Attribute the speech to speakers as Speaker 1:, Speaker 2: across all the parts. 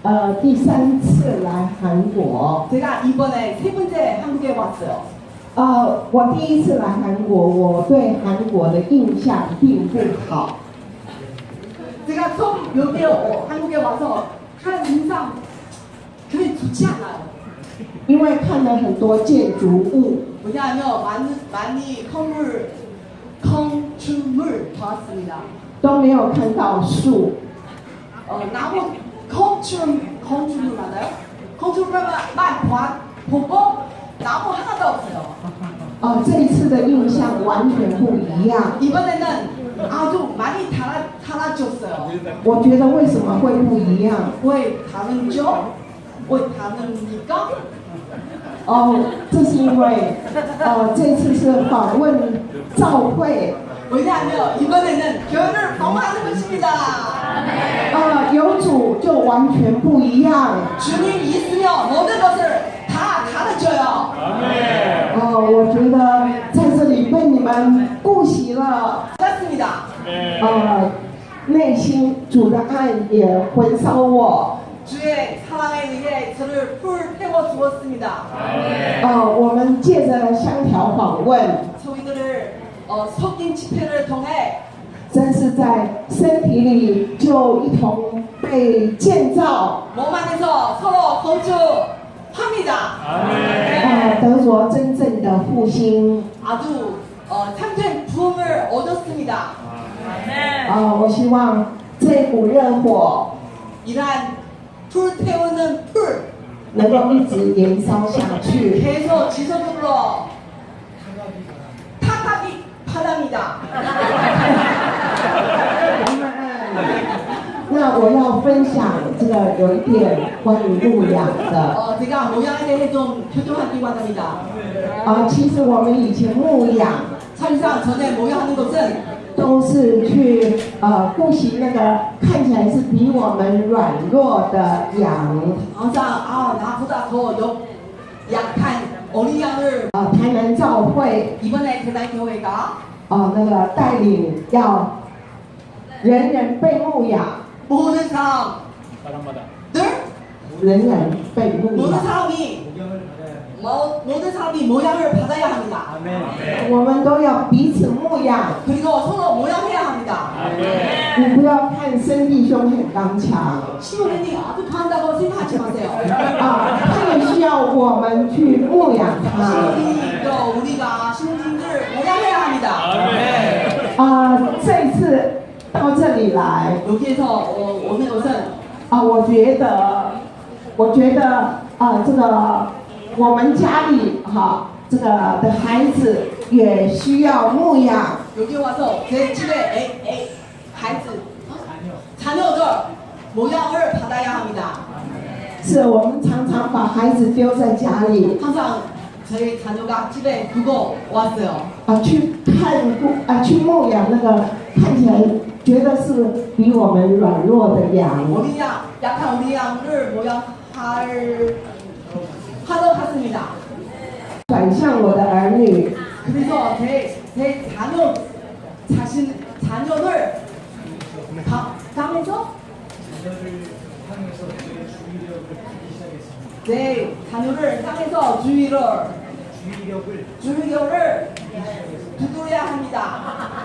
Speaker 1: 第3次来韩国。
Speaker 2: 제가 이번에 3번째 한국에 왔어요.
Speaker 1: 我第1次来韩国，我对韩国的印象并不好。
Speaker 2: 제가 처음 여기 한국에 와서 한 인상 그리 좋지 않아요.
Speaker 1: 因为看了很多建筑物，
Speaker 2: 왜냐하면 많이 건축물 봤습니다.
Speaker 1: 都没有看到树。
Speaker 2: 나무 건축물 맞아요? 건축물만 보고 나무 하나도 없어요.
Speaker 1: 这一次的印象完全不一样。
Speaker 2: 이번에는 아주 많이 달라졌어요.
Speaker 1: 我觉得为什么会不一样？
Speaker 2: 왜 다른죠? 왜 다릅니까?
Speaker 1: 这是因为这次是访问教会，
Speaker 2: 왜냐하면 이번에는 교회를 방문하는 것입니다.
Speaker 1: 有主就完全不一样。
Speaker 2: 주님 있으면 모든 것을 다 달라져요.
Speaker 1: 我觉得在这里被你们顾惜了，
Speaker 2: 그렇습니다.
Speaker 1: 内心主的爱也焚烧我。
Speaker 2: 주의 사랑에 의해 저를 불태워 주었습니다.
Speaker 1: 我们借着香条访问，
Speaker 2: 저희들을 석인 집회를 통해
Speaker 1: 真是在身体里就一同被建造，
Speaker 2: 몸 안에서 서로 건축합니다.
Speaker 1: 得着真正的复兴。
Speaker 2: 아주 참된 부흥을 얻었습니다.
Speaker 1: 我希望这股热火
Speaker 2: 이러한 불태우는 불
Speaker 1: 能够一直燃烧下去。
Speaker 2: 계속 지속적으로 타탑이 바랍니다.
Speaker 1: 那我要分享这个有一点关于牧养的。
Speaker 2: 제가 모양에 대해 좀 표정하기 원합니다.
Speaker 1: 其实我们以前牧养
Speaker 2: 사실상 전에 모양하는 것은
Speaker 1: 都是去顾惜那个看起来是比我们软弱的羊。
Speaker 2: 항상 나보다 더 약한 어린 양을
Speaker 1: 台南教会
Speaker 2: 이번에 대단교회가
Speaker 1: 那个带领要人人被牧养，
Speaker 2: 모든 사람들
Speaker 1: 人人被牧
Speaker 2: 모든
Speaker 1: 养。
Speaker 2: 사람이 모든 사람이 모양을 받아야 합니다.
Speaker 1: 我们都要彼此牧养。
Speaker 2: 그리고 서로 모양해야 합니다.
Speaker 1: 你不要看生弟兄很刚强，
Speaker 2: 신호님이 아주 강한다고 생각하지 마세요.
Speaker 1: 他也需要我们去牧养他。
Speaker 2: 신호님도 우리가 신호님들 모양해야 합니다.
Speaker 1: 这一次到这里来，
Speaker 2: 여기에서 오늘 것은
Speaker 1: 我觉得这个我们家里这个的孩子也需要牧养。
Speaker 2: 여기 와서 제 집에孩子자녀들 모양을 받아야 합니다.
Speaker 1: 是我们常常把孩子丢在家里，
Speaker 2: 항상 저희 자녀가 집에 두고 왔어요.
Speaker 1: 去牧养那个看起来觉得是比我们软弱的羊。
Speaker 2: 어린 양, 약한 어린 양을 하러 갔습니다.
Speaker 1: 转向我的儿女，
Speaker 2: 그래서 제 자녀를 당해서 네, 자녀를 향해서 주의력을 두드려야 합니다.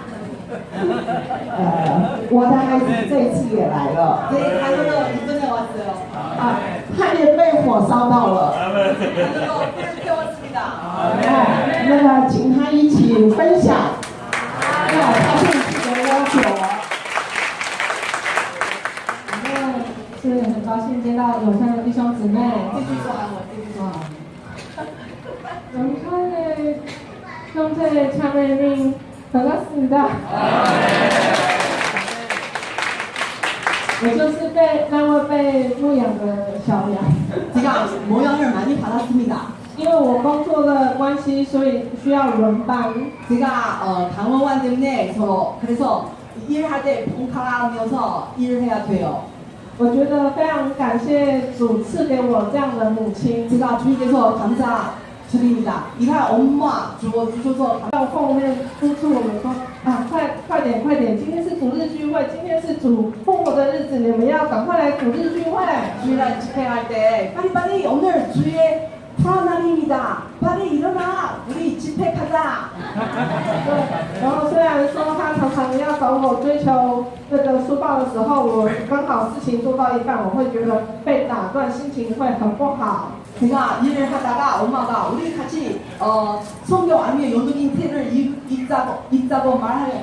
Speaker 1: 我的孩子这一次也来了，
Speaker 2: 네, 자녀는 이번에 왔어요.
Speaker 1: 他也被火烧到了。
Speaker 2: 자녀도 불을 태웠습니다.
Speaker 1: 那个请他一起分享，他这一次的要求。
Speaker 3: 是很高兴见到友善的弟兄姊妹。
Speaker 2: 떼주소 한번 떼주소.
Speaker 3: 영상의 형제의 참여님 반갑습니다. 我就是那位被牧养的小羊。
Speaker 2: 제가 모양을 많이 받았습니다.
Speaker 3: 因为我工作的关系，所以需要轮班。
Speaker 2: 제가 당원관 때문에 그래서 일할 때 봉사하면서 일을 해야 돼요.
Speaker 3: 我觉得非常感谢主赐给我这样的母亲，
Speaker 2: 제가 주님께서 감사드립니다. 일할 엄마 주셔서
Speaker 3: 到后面督促我们说， 啊，快点！今天是主日聚会，今天是主复活的日子，你们要赶快来主日聚会。
Speaker 2: 주일날 집회할 때 빨리빨리 오늘 주의 푸른날입니다. 빨리 일어나. 우리 집회 가자.
Speaker 3: 对，然后虽然说他常常要找我追求那个书报的时候，我刚好事情做到一半，我会觉得被打断，心情会很不好。
Speaker 2: 제가 일을 하다가 엄마가 우리 같이 성경 아니면 연극 테를 읽자고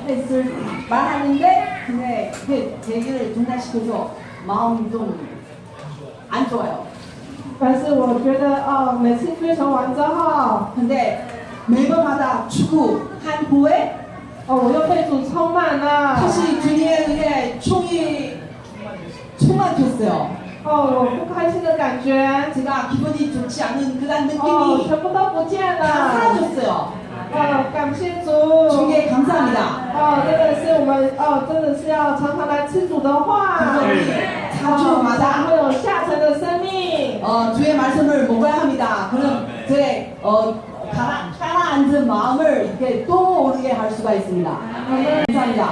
Speaker 2: 말하는데 근데 그게 얘기를 중단시켜서 마음이 좀 안 좋아요.
Speaker 3: 但是我觉得每次追求完之后，
Speaker 2: 근데 매번마다 축구한 후에
Speaker 3: 我又被主充满了。
Speaker 2: 다시 주님의 은혜에 충만했어요.
Speaker 3: 我不开心的感觉，
Speaker 2: 제가 기분이 좋지 않은 그런 느낌이
Speaker 3: 全部都不见
Speaker 2: 다
Speaker 3: 了。
Speaker 2: 사라졌어요.
Speaker 3: 感谢主。
Speaker 2: 주님께 감사합니다.
Speaker 3: 真的是我们真的是要常常来吃主的话。
Speaker 2: 그래서 우리
Speaker 3: 才
Speaker 2: 4주마다
Speaker 3: 会有下沉的生命。
Speaker 2: 주의 말씀을 먹어야 합니다. 그럼 제 가라앉은 마음을 이렇게 또 오르게 할 수가 있습니다. 감사합니다.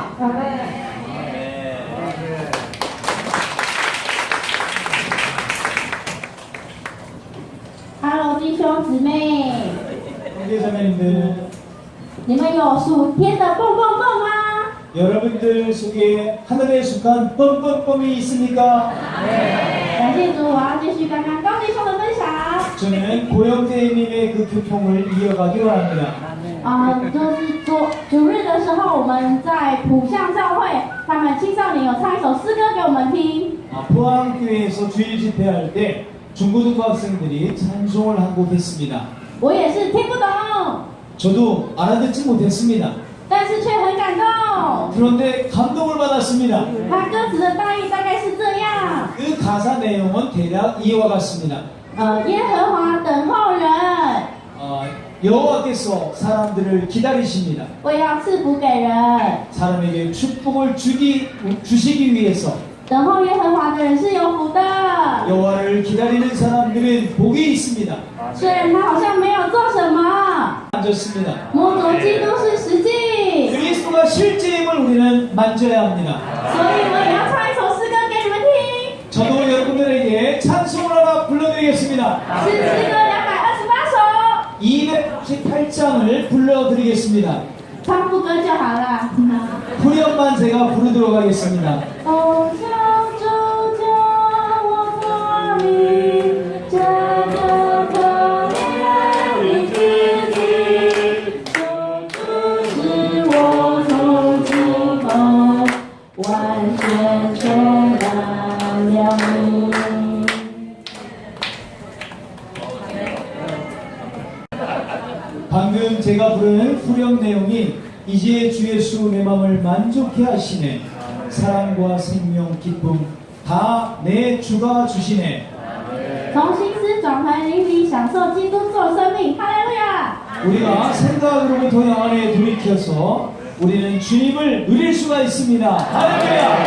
Speaker 4: Hello， 弟兄姊妹，
Speaker 5: 형제자매님들,
Speaker 4: 你们有属天的蹦蹦蹦吗？
Speaker 5: 여러분들 속에 하늘에 속한 뻔뻔뻔이 있습니까?
Speaker 4: 感谢主，我要继续刚刚高弟兄的分享。
Speaker 5: 저는 고영재님의 그 교통을 이어가기 원합니다.
Speaker 4: 就是主日的时候，我们在浦项教会，他们青少年有唱一首诗歌给我们听。
Speaker 5: 포항교회에서 주일 집회할 때 중고등부 학생들이 찬송을 한 곡 했습니다.
Speaker 4: 我也是听不懂，
Speaker 5: 저도 알아듣지 못했습니다.
Speaker 4: 但是却很感动。
Speaker 5: 그런데 감동을 받았습니다.
Speaker 4: 它歌词的大意大概是这样：
Speaker 5: 그 가사 내용은 대략 이와 같습니다.
Speaker 4: 耶和华等候人，
Speaker 5: 여호와께서 사람들을 기다리십니다.
Speaker 4: 为要赐福给人。
Speaker 5: 사람에게 축복을 주시기 위해서
Speaker 4: 等候耶和华的人是有福的。
Speaker 5: 여호와를 기다리는 사람들은 복이 있습니다.
Speaker 4: 虽然他好像没有做什么，
Speaker 5: 만졌습니다.
Speaker 4: 摸着基督是实际，
Speaker 5: 그리스도가 실제임을 우리는 만져야 합니다.
Speaker 4: 所以我也要唱一首诗歌给你们听，
Speaker 5: 저도 여러분들에게 찬송을 하나 불러드리겠습니다.
Speaker 4: 是诗歌228首，
Speaker 5: 218장을 불러드리겠습니다.
Speaker 4: 唱副歌就好了。
Speaker 5: 후렴만 제가 부르도록 하겠습니다.
Speaker 4: 哦，求主将我脱离这个可怜的日子，使我从今后完全充满了你。
Speaker 5: 방금 제가 부른 후렴 내용이 이제 주 예수 내 마음을 만족해 하시네. 사랑과 생명 기쁨 다 내 주가 주시네.
Speaker 4: 从心思转回灵里，享受基督做生命，哈利路亚！
Speaker 5: 우리가 생각으로부터 영안에 돌이켜서 우리는 주님을 누릴 수가 있습니다. 할렐루야!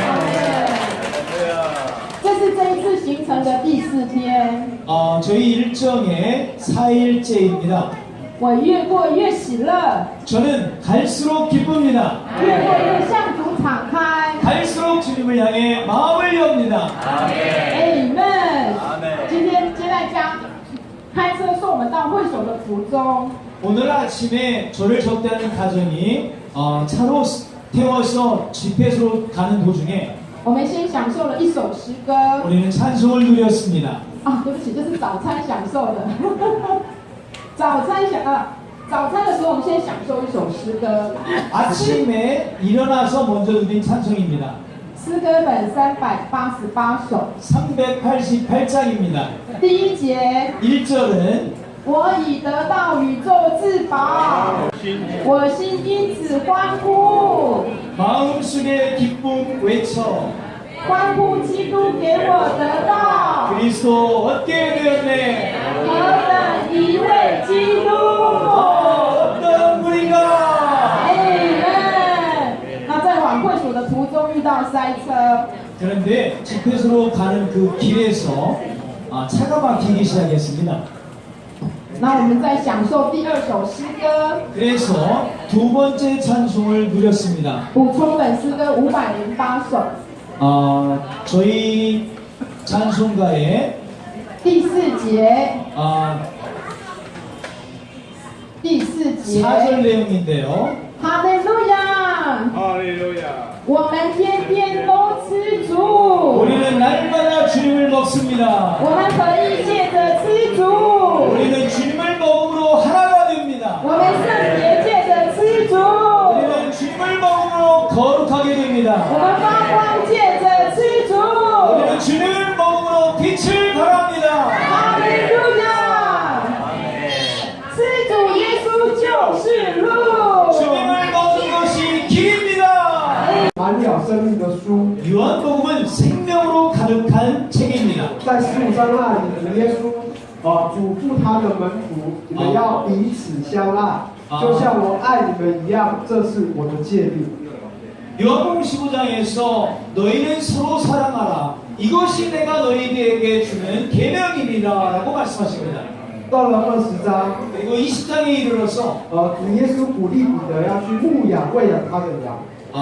Speaker 3: 这是这一次行程的第4天，
Speaker 5: 저희 일정의 4일째입니다.
Speaker 3: 我越过越喜乐，
Speaker 5: 저는 갈수록 기쁩니다.
Speaker 3: 越过越向主敞开。
Speaker 5: 갈수록 주님을 향해 마음을 엽니다.
Speaker 3: Amen。今天接待家开车送我们到会所的途中，
Speaker 5: 오늘 아침에 저를 접대하는 가정이 차로 태워서 집회소로 가는 도중에
Speaker 3: 我们先享受了一首诗歌。
Speaker 5: 우리는 찬송을 누렸습니다.
Speaker 3: 对不起，这是早餐享受的。早餐的时候，我们先享受一首诗歌。
Speaker 5: 아침에 일어나서 먼저 누린 찬송입니다.
Speaker 3: 诗歌本388首，
Speaker 5: 388장입니다.
Speaker 3: 第1节，
Speaker 5: 1절은
Speaker 3: 我已得到宇宙至宝，我心因此欢呼，
Speaker 5: 마음속에 기쁨 외쳐
Speaker 3: 欢呼基督给我得到，
Speaker 5: 그리스도 얻게 되었네.
Speaker 3: 何等一位基督！
Speaker 5: 어떤 분인가?
Speaker 3: Amen。那在往会所的途中遇到塞车，
Speaker 5: 그런데 집회소로 가는 그 길에서 차가 막히기 시작했습니다.
Speaker 3: 那我们在享受第二首诗歌，
Speaker 5: 그래서 두 번째 찬송을 누렸습니다.
Speaker 3: 补充本诗歌508首，
Speaker 5: 저희 찬송가의
Speaker 3: 第4节， 第4节，
Speaker 5: 4절 내용인데요.
Speaker 3: 哈利路亚，
Speaker 6: 哈利路亚。
Speaker 3: 我们天天都吃主，
Speaker 5: 우리는 날마다 주님을 먹습니다.
Speaker 3: 我们可以借着吃主，
Speaker 5: 우리는 주님을 먹음으로 하나가 됩니다.
Speaker 3: 我们圣洁借着吃主，
Speaker 5: 우리는 주님을 먹음으로 거룩하게 됩니다.
Speaker 3: 我们发光借着吃主，
Speaker 5: 우리는 주님을 먹음으로 빛을 발합니다.
Speaker 3: 哈利路亚，吃主耶稣就是路。
Speaker 5: 주님을 먹는 것이 길입니다.
Speaker 7: 满了生命的书，
Speaker 5: 요한복음은 생명으로 가득한 책입니다.
Speaker 7: 在15章那里，耶稣嘱咐他的门徒，你们要彼此相爱，就像我爱你们一样，这是我的诫命。
Speaker 5: 요한복음 15장에서 너희는 서로 사랑하라. 이것이 내가 너희에게 주는 계명이니라라고 말씀하십니다.
Speaker 7: 到了20章，
Speaker 5: 그리고 20장에 이르러서
Speaker 7: 主耶稣鼓励彼得要去牧养、喂养他的羊。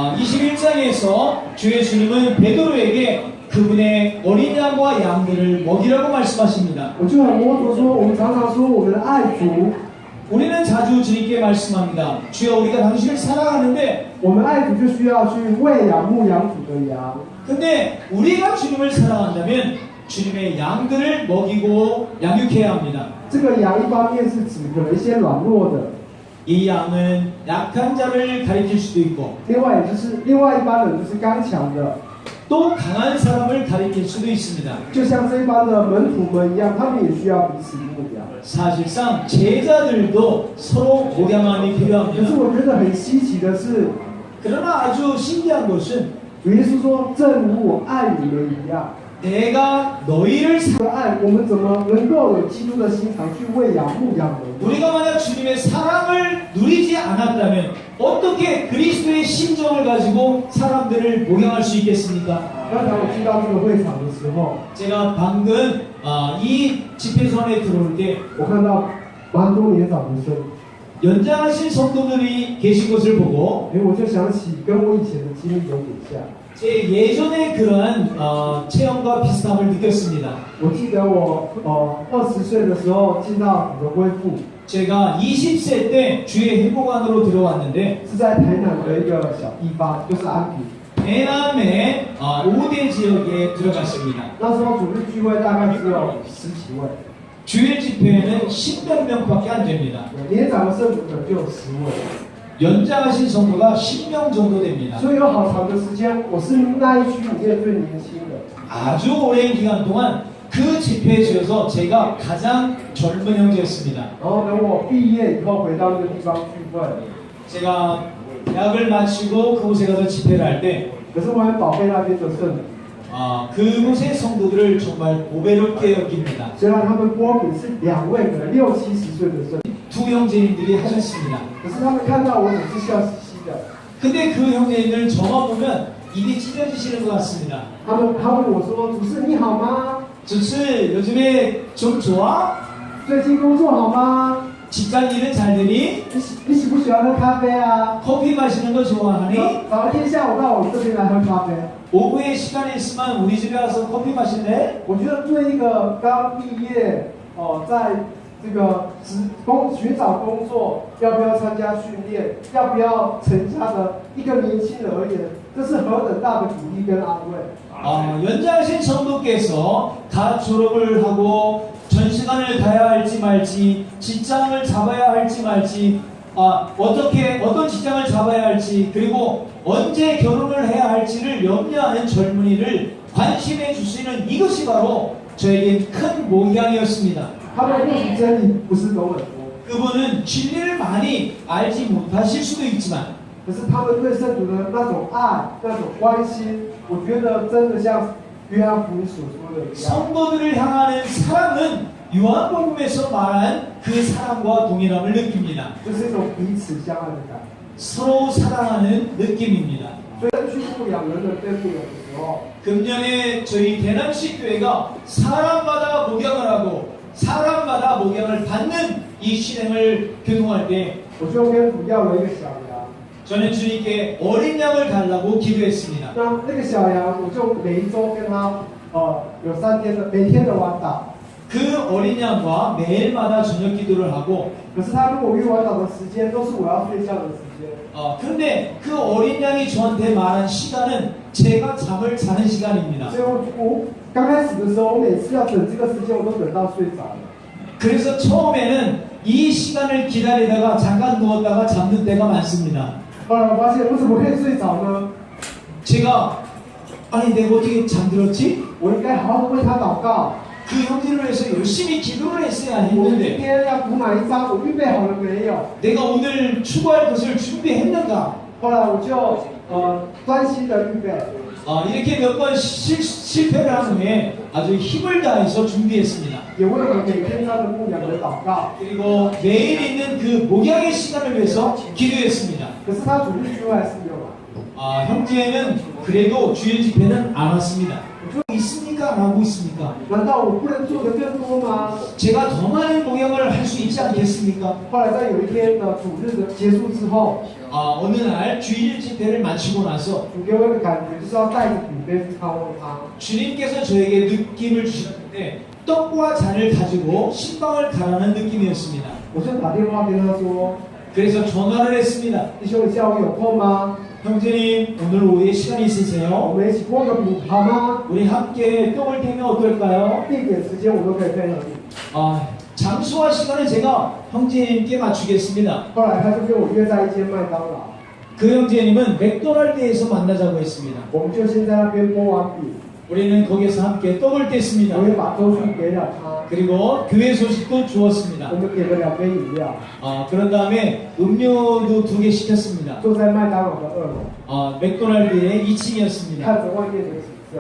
Speaker 5: 21장에서 주 예수님은 베드로에게 그분의 어린 양과 양들을 먹이라고 말씀하십니다.
Speaker 7: 我就很模糊说，我们常常说我们爱主，
Speaker 5: 우리는 자주 주님께 말씀합니다. 주여 우리가 당신을 사랑하는데
Speaker 7: 我们爱主就需要去喂养、牧养主的羊。
Speaker 5: 근데 우리가 주님을 사랑한다면 주님의 양들을 먹이고 양육해야 합니다.
Speaker 7: 这个羊一方面是指可能一些软弱的，
Speaker 5: 이 양은 약한 자를 가리킬 수도 있고
Speaker 7: 另外一般人就是刚强的，
Speaker 5: 또 강한 사람을 가리킬 수도 있습니다.
Speaker 7: 就像这一般的门徒们一样，他们也需要彼此牧养。
Speaker 5: 사실상 제자들도 서로 목양함이
Speaker 7: 可是
Speaker 5: 필요합니다.
Speaker 7: 我觉得很稀奇的是，
Speaker 5: 그러나 아주 신기한 것은
Speaker 7: 主耶稣说：“正如我爱你们一样。”
Speaker 5: 내가 너희를
Speaker 7: 这个爱，我们怎么能够有基督的心肠去喂养、牧养人？
Speaker 5: 우리가 만약 주님의 사랑을 누리지 않았다면 어떻게 그리스도의 심정을 가지고 사람들을 목양할 수 있겠습니까?
Speaker 7: 刚才我进到这个会场的时候，
Speaker 5: 제가 방금 이 집회선에 들어올 때
Speaker 7: 我看到蛮多年长的生，
Speaker 5: 연장하신 성도들이 계신 것을 보고
Speaker 7: 我就想起跟我以前的经历有点像。
Speaker 5: 제 예전의 그러한 체험과 비슷함을 느꼈습니다.
Speaker 7: 我记得我20岁的时候进到主的恢复，
Speaker 5: 제가 20세 때 주의 회복안으로 들어왔는데
Speaker 7: 是在台南的一个小地方，就是安平。
Speaker 5: 해남의 5대 지역에 들어갔습니다.
Speaker 7: 那时候主日聚会大概只有10几位，
Speaker 5: 주일 집회에는 10몇 명밖에 안 됩니다.
Speaker 7: 年长的圣徒可能就有10位。
Speaker 5: 연장하신 성도가 10명 정도 됩니다.
Speaker 7: 所以有好长的时间，我是那一区里面最年轻的。
Speaker 5: 아주 오랜 기간 동안 그 집회지에서 제가 가장 젊은 형제였습니다.
Speaker 7: 然后等我毕业以后回到那个地方聚会，
Speaker 5: 제가 대학을 마치고 그곳에 가서 집회를 할 때
Speaker 7: 可是我很宝贝那边的圣徒，
Speaker 5: 그곳의 성도들을 정말 고배롭게 여깁니다.
Speaker 7: 虽然他们波比是2位可能60、70岁的圣徒，
Speaker 5: 두 형제님들이 하셨습니다.
Speaker 7: 可是他们看到我总是笑嘻嘻的。
Speaker 5: 근데 그 형제님들 저만 보면 입이 찢어지시는 것 같습니다.
Speaker 7: 他问我说：“主事你好吗？
Speaker 5: 주스 요즘에 좀 좋아?
Speaker 7: 最近工作好吗？
Speaker 5: 직장 일은 잘 되니?
Speaker 7: 你喜不喜欢喝咖啡啊？
Speaker 5: 커피 마시는 거 좋아하니?
Speaker 7: 早一天下午到我这边来喝咖啡。
Speaker 5: 오후에 시간이 있으면 우리 집에 와서 커피 마실래?
Speaker 7: 我觉得对一个刚毕业在这个寻找工作，要不要参加训练，要不要成家的一个年轻人而言，这是何等大的鼓励跟安慰。
Speaker 5: 연장하신 성도께서 다 졸업을 하고 전 시간을 가야 할지 말지, 직장을 잡아야 할지 말지, 어떤 직장을 잡아야 할지, 그리고 언제 결혼을 해야 할지를 염려하는 젊은이를 관심해 주시는 이것이 바로 저에겐 큰 목양이었습니다.
Speaker 7: 他们不仅真理不是懂很多，
Speaker 5: 그분은 진리를 많이 알지 못하실 수도 있지만
Speaker 7: 可是他们对圣徒的那种爱、那种关心，我觉得真的像约翰福音所说的一样。
Speaker 5: 성도들을 향하는 사랑은 요한복음에서 말한 그 사랑과 동일함을 느낍니다.
Speaker 7: 就是一种彼此相爱的感觉。
Speaker 5: 서로 사랑하는 느낌입니다.
Speaker 7: 所以去牧养人的队伍有的时候，
Speaker 5: 금년에 저희 대남시 교회가 사람마다 목양을 하고 사람마다 목양을 받는 이 실행을 교통할 때
Speaker 7: 我就跟主要了一个小羊，
Speaker 5: 저는 주님께 어린 양을 달라고 기도했습니다.
Speaker 7: 那个小羊我就每一周跟他有3天的每天的晚祷。
Speaker 5: 그 어린 양과 매일마다 저녁 기도를 하고
Speaker 7: 可是他跟我约晚祷的时间都是我要睡觉的时间。
Speaker 5: 근데 그 어린 양이 저한테 말한 시간은 제가 잠을 자는 시간입니다.
Speaker 7: 所以我刚开始的时候，我每次要等这个时间，我都等到睡着了。
Speaker 5: 그래서 처음에는 이 시간을 기다리다가 잠깐 누웠다가 잠든 때가 많습니다.
Speaker 7: 后来我发现，我怎么可以睡着呢？
Speaker 5: 제가 아니 내가 어떻게 잠들었지?
Speaker 7: 我应该好好为他祷告。
Speaker 5: 그 형제를 위해서 열심히 기도를 했어야
Speaker 7: 我今
Speaker 5: 했는데
Speaker 7: 天要补满一张，我预备好了没有？
Speaker 5: 내가 오늘 추구할 것을 준비했는가?
Speaker 7: 后来我就专心的预备。
Speaker 5: 이렇게 몇 번 실패를 한 후에 아주 힘을 다해서 준비했습니다.
Speaker 7: 也为了每天他的牧养而祷告。
Speaker 5: 그리고 매일 있는 그 목양의 시간을 위해서 기도했습니다.
Speaker 7: 可是他主日聚会还是没有来。
Speaker 5: 형제는 그래도 주일 집회는 안 왔습니다. 있습니까? 안 하고 있습니까?
Speaker 7: 难道我不能做得更多吗？
Speaker 5: 제가 더 많은 목양을 할 수 있지 않겠습니까?
Speaker 7: 后来在有一天的主日的结束之后，
Speaker 5: 어느 날 주일 집회를 마치고 나서
Speaker 7: 主给我的感觉就是要带着饼杯去看望他。
Speaker 5: 주님께서 저에게 느낌을 주셨는데 떡과 잔을 가지고 신방을 가라는 느낌이었습니다.
Speaker 7: 我就打电话跟他说
Speaker 5: 그래서 전화를 했습니다.
Speaker 7: 弟兄，你下午有空吗？
Speaker 5: 형제님 오늘 오후에 시간
Speaker 7: 我
Speaker 5: 있으세요?
Speaker 7: 们一起过个饼好吗？
Speaker 5: 우리 함께 떡을 태면 어떨까요?
Speaker 7: 地点时间我都可以配合你。
Speaker 5: 장소와 시간은 제가 형제님께 맞추겠습니다.
Speaker 7: 后来他就跟我约在一间麦当劳，
Speaker 5: 그 형제님은 맥도날드에서 만나자고 했습니다.
Speaker 7: 我们就先在那边剥完饼，
Speaker 5: 우리는 거기서 함께 떡을 뗐습니다.
Speaker 7: 我也把粥去给了他，
Speaker 5: 그리고 교회 소식도 주었습니다.
Speaker 7: 我们点了2杯饮料，
Speaker 5: 그런 다음에 음료도 2개 시켰습니다.
Speaker 7: 坐在麦当劳的2楼，
Speaker 5: 맥도날드의 2층이었습니다.
Speaker 7: 看着外面的景色，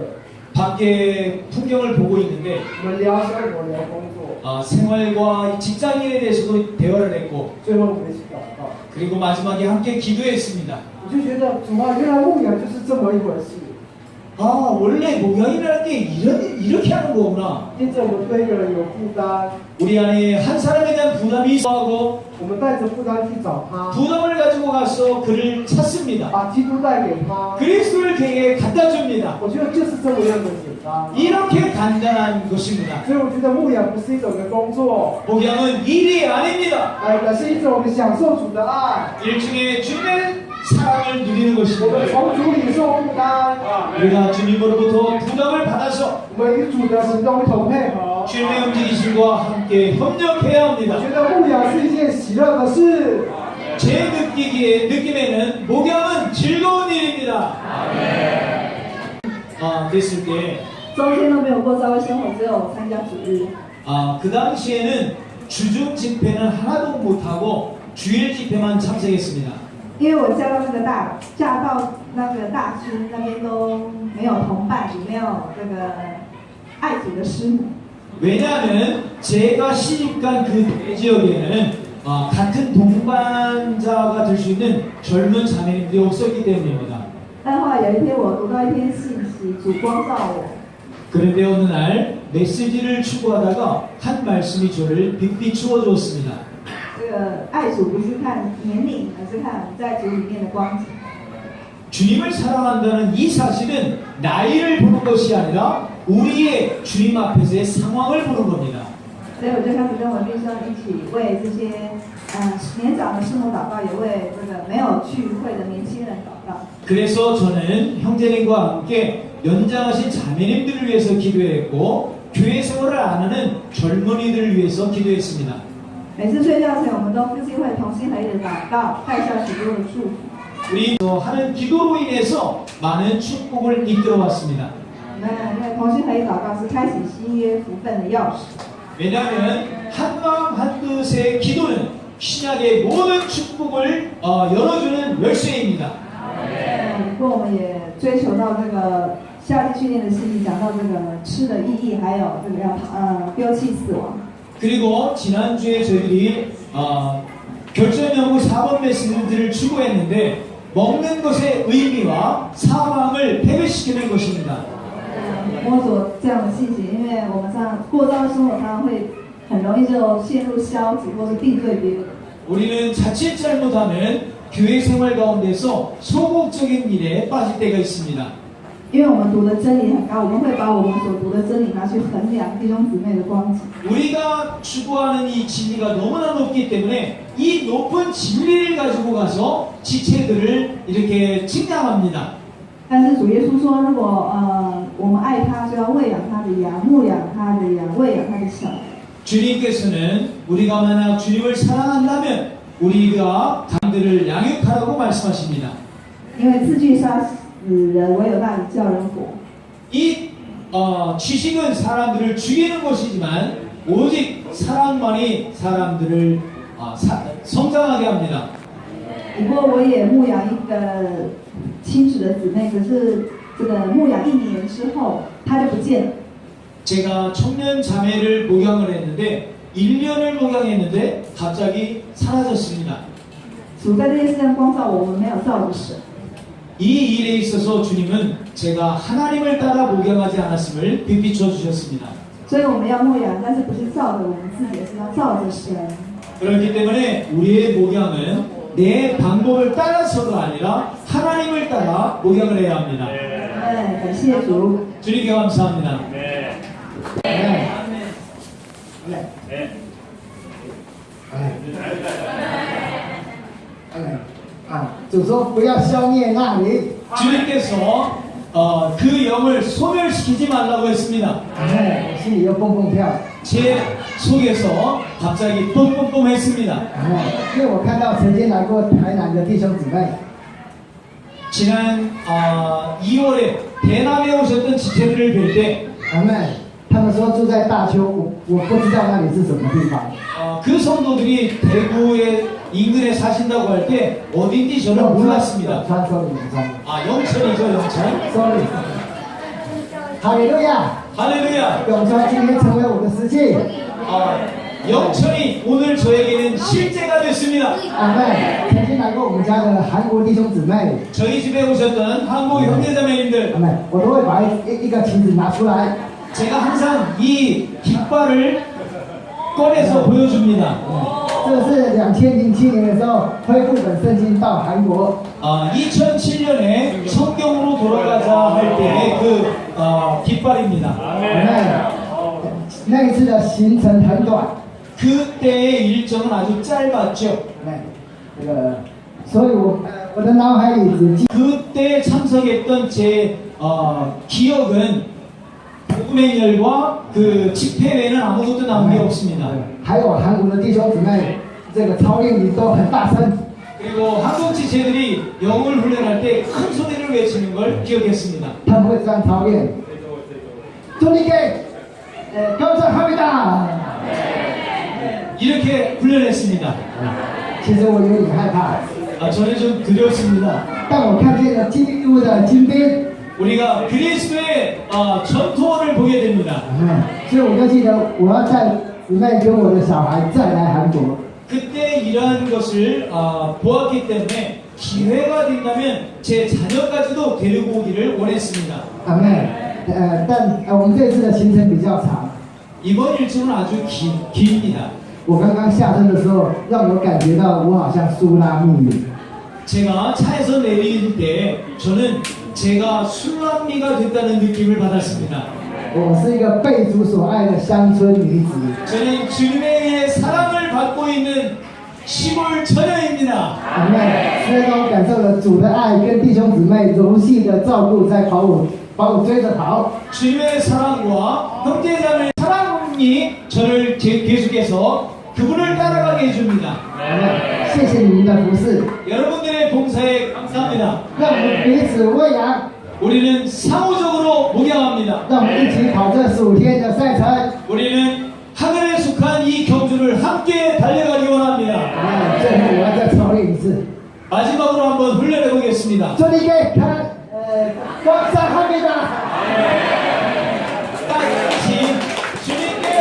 Speaker 5: 밖에 풍경을 보고 있는데
Speaker 7: 我们聊生活聊工作，
Speaker 5: 생활과 직장인에 대해서도 대화를 했고
Speaker 7: 最后我们一起祷告。
Speaker 5: 그리고 마지막에 함께 기도했습니다.
Speaker 7: 我就觉得主啊，原来牧养就是这么一回事。
Speaker 5: 원래 목양이라는 게 이렇게 하는 거구나.
Speaker 7: 因着我们对一个人有负担，
Speaker 5: 우리 안에 한 사람에 대한 부담이 있어하고
Speaker 7: 我们带着负担去找他，
Speaker 5: 부담을 가지고 가서 그를 찾습니다.
Speaker 7: 把基督带给他。
Speaker 5: 그리스도를 그에게 갖다 줍니다.
Speaker 7: 我觉得就是这么样的简单。
Speaker 5: 이렇게 간단한 것입니다.
Speaker 7: 所以我觉得牧养不是一种的工作，
Speaker 5: 목양은 일이 아닙니다.
Speaker 7: 而是一种我们享受主的爱，
Speaker 5: 일종의 주님의 사랑을 누리는
Speaker 7: 我们
Speaker 5: 것입니다.
Speaker 7: 从主领受负担，
Speaker 5: 우리가 주님으로부터 부담을 받아서
Speaker 7: 我们与主的行动一同配合。
Speaker 5: 주님의 움직이심과 함께 협력해야
Speaker 7: 我
Speaker 5: 합니다.
Speaker 7: 觉得牧养是一件喜乐的事。
Speaker 5: 제 느낌에는 목양은 즐거운 일입니다. 됐을 때
Speaker 2: 中间都没有过教会生活，只有参加主日。
Speaker 5: 그 당시에는 주중 집회는 하나도 못하고 주일 집회만 참석했습니다.
Speaker 6: 因为我嫁到那个大区那边都没有同伴，也没有这个爱主的师母。
Speaker 5: 왜냐하면 제가 시집간 그 지역에는 같은 동반자가 될 수 있는 젊은 자매님들이 없었기 때문입니다.
Speaker 6: 但后来有一天，我读到一篇信息，主光照我，
Speaker 5: 그런데 어느 날 메시지를 추구하다가 한 말씀이 저를 빛빛 주어주었습니다.
Speaker 6: 这个爱主不是看年龄，而是看在主里面的光景。
Speaker 5: 주님을 사랑한다는 이 사실은 나이를 보는 것이 아니라 우리의 주님 앞에서의 상황을 보는 겁니다.
Speaker 6: 所以我就开始跟我弟兄一起为这些年长的师母祷告，也为这个没有聚会的年轻人祷告。
Speaker 5: 그래서 저는 형제님과 함께 연장하신 자매님들을 위해서 기도했고 교회 생활을 안 하는 젊은이들을 위해서 기도했습니다.
Speaker 6: 每次睡觉前，我们都夫妻会同心合意的祷告，带下许多的祝福。
Speaker 5: 우리 하는 기도로 인해서 많은 축복을 이끌어 왔습니다.
Speaker 6: 那同心合意祷告是开启新约福分的钥匙。
Speaker 5: 왜냐하면 한마음 한뜻의 기도는 신약의 모든 축복을 열어주는 열쇠입니다.
Speaker 6: 不过我们也追求到这个夏季训练的信息，讲到这个吃的意义，还有这个要丢弃死亡。
Speaker 5: 그리고 지난주에 저희들이 결정연구 4번 메시지를 추구했는데 먹는 것의 의미와 사망을 패배시키는 것입니다.
Speaker 6: 摸索这样的信息，因为我们过这样的生活，常常会很容易就陷入消极或是定罪别人。
Speaker 5: 우리는 자칫 잘못하면 교회 생활 가운데서 소극적인 일에 빠질 때가 있습니다.
Speaker 6: 因为我们读的真理很高，我们会把我们所读的真理拿去衡量弟兄姊妹的光景。
Speaker 5: 우리가 추구하는 이 진리가 너무나 높기 때문에 이 높은 진리를 가지고 가서 지체들을 이렇게 측량합니다.
Speaker 6: 但是主耶稣说，如果我们爱他，就要喂养他的羊，牧养他的羊，喂养他的小。
Speaker 5: 주님께서는 우리가 만약 주님을 사랑한다면 우리가 강들을 양육하라고 말씀하십니다.
Speaker 6: 因为字句杀死人，唯有那里叫人活。
Speaker 5: 이 지식은 사람들을 죽이는 것이지만 오직 사랑만이 사람들을 성장하게 합니다.
Speaker 6: 不过我也牧养一个亲属的姊妹，可是这个牧养1年之后，她就不见了。
Speaker 5: 제가 청년 자매를 목양을 했는데 1년을 목양했는데 갑자기 사라졌습니다.
Speaker 6: 主在这件事上光照我们，没有照着神。
Speaker 5: 이 일에 있어서 주님은 제가 하나님을 따라 목양하지 않았음을 비비춰 주셨습니다.
Speaker 6: 所以我们要牧养，但是不是照着我们自己，而是要照着神。
Speaker 5: 그렇기 때문에 우리의 목양은 내 방법을 따라서가 아니라 하나님을 따라 목양을 해야 합니다.
Speaker 6: 感谢主。
Speaker 5: 주님께 감사합니다.
Speaker 8: 아, 主说不要消灭那灵。
Speaker 5: 주님께서 그 영을 소멸시키지 말라고 했습니다.
Speaker 8: 我心里又蹦蹦跳。
Speaker 5: 제 속에서 갑자기 뿜뿜뿜했습니다.
Speaker 8: 因为我看到曾经来过台南的弟兄姊妹，
Speaker 5: 지난 2월에 대남에 오셨던 지체들을 뵐 때
Speaker 8: 他们说住在大邱，我不知道那里是什么地方。
Speaker 5: 그 성도들이 대구의 인근에 사신다고 할 때 어딘지 저는 몰랐습니다.
Speaker 8: 川州永川。
Speaker 5: 영천이죠, 영천.
Speaker 8: Sorry。哈利路亚！
Speaker 5: 할렐루야.
Speaker 8: 永川今天成为我的实际。
Speaker 5: 영천이 오늘 저에게는 실제가 됐습니다.
Speaker 8: 阿妹，曾经来过我们家的韩国弟兄姊妹，
Speaker 5: 저희 집에 오셨던 한국 형제자매님들,
Speaker 8: 阿妹，我都会把一个旗子拿出来。
Speaker 5: 제가 항상 이 깃발을 꺼내서 보여줍니다.
Speaker 8: 这是2007年的时候恢复本圣经到韩国。
Speaker 5: 2007년에 성경으로 돌아가자 할 때의 그 깃발입니다.
Speaker 8: 阿妹，那一次的行程很短。
Speaker 5: 그때의 일정은 아주 짧았죠.
Speaker 8: 阿妹，这个，所以我的脑海里只记
Speaker 5: 그때 참석했던 제 기억은 복음의 열과 그 집회 외에는 아무것도 남은 게 없습니다.
Speaker 8: 还有韩国的弟兄姊妹，这个操练里都很大声。
Speaker 5: 그리고 한국 지체들이 영을 훈련할 때 큰 소리를 외치는 걸 기억했습니다.
Speaker 8: 他们会这样操练。주님께 감사합니다。
Speaker 5: 이렇게 훈련했습니다.
Speaker 8: 其实我有点害怕，
Speaker 5: 저는 좀 두렵습니다.
Speaker 8: 但我看见了基督的精兵。
Speaker 5: 우리가 그리스도의 전투원을 보게 됩니다.
Speaker 8: 所以我就记得我要带姊妹跟我的小孩再来韩国。
Speaker 5: 그때 이러한 것을 보았기 때문에 기회가 된다면 제 자녀까지도 데리고 오기를 원했습니다.
Speaker 8: 阿妹，但我们这次的行程比较长。
Speaker 5: 이번 일정은 아주 깁니다.
Speaker 8: 我刚刚下车的时候，让我感觉到我好像苏拉密语。
Speaker 5: 제가 차에서 내릴 때 저는 제가 술람미가 됐다는 느낌을 받았습니다.
Speaker 8: 我是一个被主所爱的乡村女子。
Speaker 5: 저는 주님의 사랑을 받고 있는 시골 처녀입니다.
Speaker 8: 阿妹，虽然我感受了主的爱跟弟兄姊妹柔细的照顾，在把我追着跑。
Speaker 5: 주님의 사랑과 형제자매의 사랑이 저를 계속해서 그분을 따라가게 해줍니다.
Speaker 8: 阿妹，谢谢你们的服侍，
Speaker 5: 여러분들의 봉사에 감사합니다.
Speaker 8: 让我们彼此喂养，
Speaker 5: 우리는 상호적으로 목양합니다.
Speaker 8: 让我们一起跑这15天的赛程。
Speaker 5: 우리는 하늘에 속한 이 경주를 함께 달려가기 원합니다.
Speaker 8: 阿妹，最后我要再操练一次。
Speaker 5: 마지막으로 한번 훈련해 보겠습니다.
Speaker 8: 주님께 감사합니다.
Speaker 5: 같이 주님께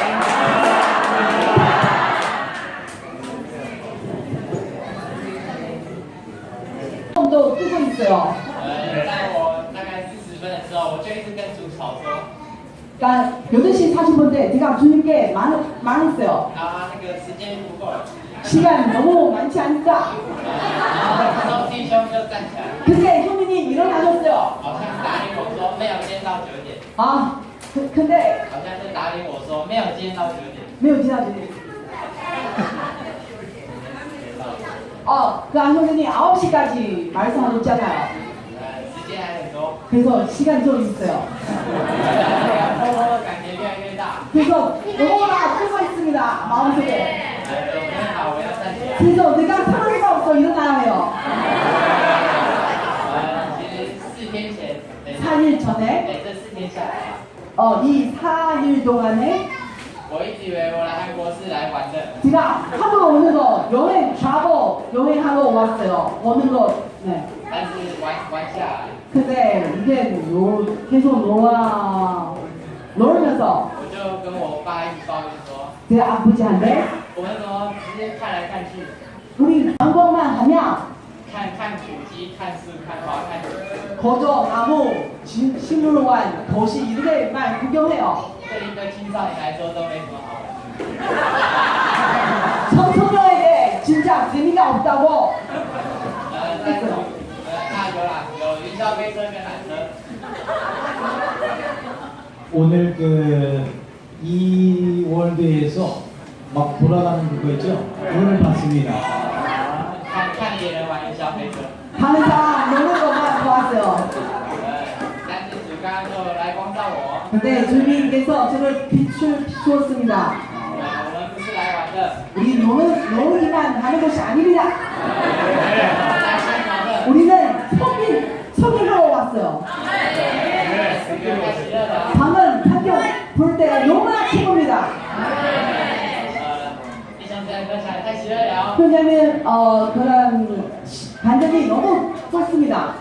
Speaker 2: 도 뜨고 있어요.
Speaker 9: 在我大概40分的时候，我就一直跟主吵说，
Speaker 2: 그러니까 8시 하신 분들 제가 주님께 말했어요.
Speaker 9: 아, 那个时间不够了。
Speaker 2: 시간 너무 많지 않다.
Speaker 9: 然后弟兄就站起来，
Speaker 2: 근데 형님이 일어나셨어요.
Speaker 9: 好像打领我说没有今天到9点，
Speaker 2: 아, 근데
Speaker 9: 好像是打领我说没有今天到9点。
Speaker 2: 매우 지나치네. 그 안성현이 9시까지 말씀하셨잖아요.
Speaker 9: 时间还很多，
Speaker 2: 그래서 시간이 좀 있어요.
Speaker 9: 感觉越来越大。
Speaker 2: 그래서 너무나 뜨고 있습니다. 마음속에.
Speaker 9: 准备好，我要站起来。
Speaker 2: 그래서 내가 편할 수가 없어 일어나야 해요.
Speaker 9: 其实4天前，
Speaker 2: 4일 전에
Speaker 9: 对，这4天下来，
Speaker 2: 이 4일 동안에
Speaker 9: 我一直以为我来韩国是来玩的，
Speaker 2: 제가 한국 오면서 여행하러 왔어요. 오는 거. 네.
Speaker 9: 但是玩下来，
Speaker 2: 근데 이게 계속 놀면서
Speaker 9: 我就跟我爸一直抱怨说，
Speaker 2: 제 아버지한테
Speaker 9: 我们怎么直接看来看去，
Speaker 2: 우리 관광만 하면
Speaker 9: 看古迹、看树、看花、看景色，
Speaker 2: 거저 나무 식물원 도시 이렇게만 구경해요.
Speaker 9: 对一个青少年来说都没什么好玩。
Speaker 2: 청소년에게 진짜 재미가 없다고.
Speaker 9: 但是有啦，有云霄飞车跟缆车。
Speaker 5: 오늘 그 이월드에서 막 돌아가는 거 있죠? 오늘 봤습니다.
Speaker 9: 看别人玩云霄飞车。
Speaker 2: 다른 사람 노는 것만 보았어요.
Speaker 9: 但是主刚刚就来光照我，
Speaker 2: 근데 주님께서 저를 비추었습니다.
Speaker 9: 我们不是来玩的，
Speaker 2: 우리 노는기만 하는 것이 아닙니다.
Speaker 9: 来参团的，
Speaker 2: 우리는 성인하러 왔어요.
Speaker 9: 太喜乐了。
Speaker 2: 방은 판경 볼 때 너무나 기쁩니다.
Speaker 9: 弟兄姊妹分享太喜乐了。
Speaker 2: 왜냐면 그런 반전이 너무 좋습니다.